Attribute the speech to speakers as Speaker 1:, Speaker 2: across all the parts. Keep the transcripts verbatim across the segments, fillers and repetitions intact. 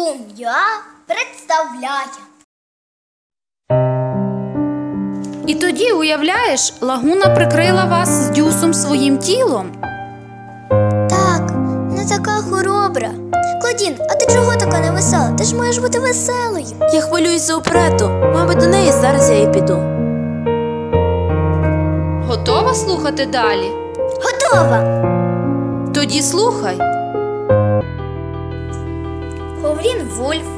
Speaker 1: Сум'я представляє.
Speaker 2: І тоді, уявляєш, Лагуна прикрила вас з Дюсом своїм тілом.
Speaker 1: Так, не така хоробра. Клодін, а ти чого така невесела? Ти ж маєш бути веселою.
Speaker 3: Я хвилююсь за оперету. Мабуть, до неї зараз я і піду.
Speaker 2: Готова слухати далі?
Speaker 1: Готова.
Speaker 2: Тоді слухай.
Speaker 1: Ховрін Вульф,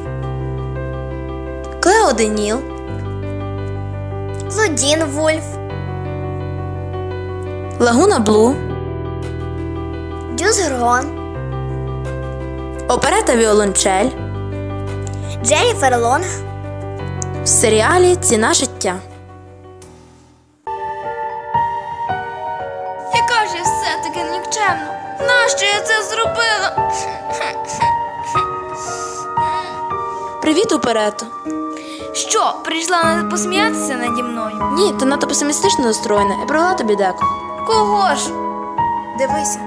Speaker 3: Клео Деніл,
Speaker 1: Клодін Вульф,
Speaker 3: Лагуна Блу,
Speaker 1: Дюс Грон,
Speaker 3: оперета Віолончель
Speaker 1: Дженніфер Лонг.
Speaker 3: в серіалі «Ціна життя».
Speaker 4: Яка ж я все-таки нікчемна? Нащо я це зробила?
Speaker 3: Привіт, оперето.
Speaker 4: Що, прийшла посміятися наді мною?
Speaker 3: Ні, ти надто песимістично настроєна. Я привела тобі деко.
Speaker 4: Кого ж? Дивися.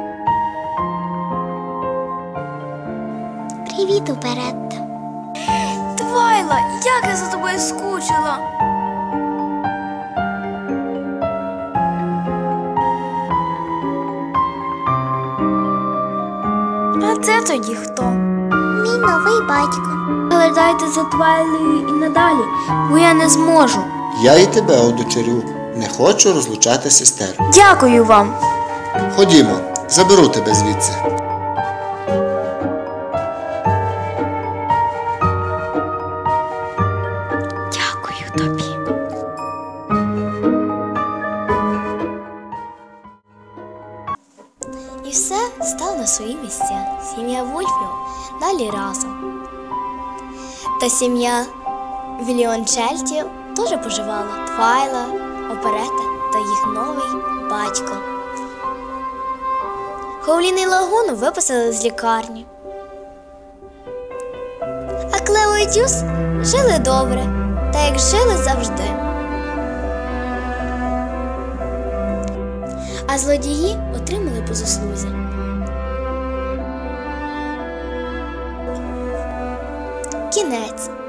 Speaker 1: Привіт, Оперетта.
Speaker 4: Твайла, як я за тобою скучила. А це тоді хто?
Speaker 1: Мій новий батько.
Speaker 4: Глядайте за Твайлою і надалі, бо я не зможу.
Speaker 5: Я і тебе одочерю. Не хочу розлучати сестер.
Speaker 4: Дякую вам.
Speaker 5: Ходімо, заберу тебе звідси.
Speaker 4: Дякую тобі.
Speaker 1: І все стало на свої місця. Сім'я Вульфів далі разом. Та сім'я Віліончельтів теж поживала. Твайла, Оперета та їх новий батько. Ховлін і Лагуну виписали з лікарні. А Клео і Дюс жили добре, та як жили завжди. А злодії отримали по заслузі. Кінець.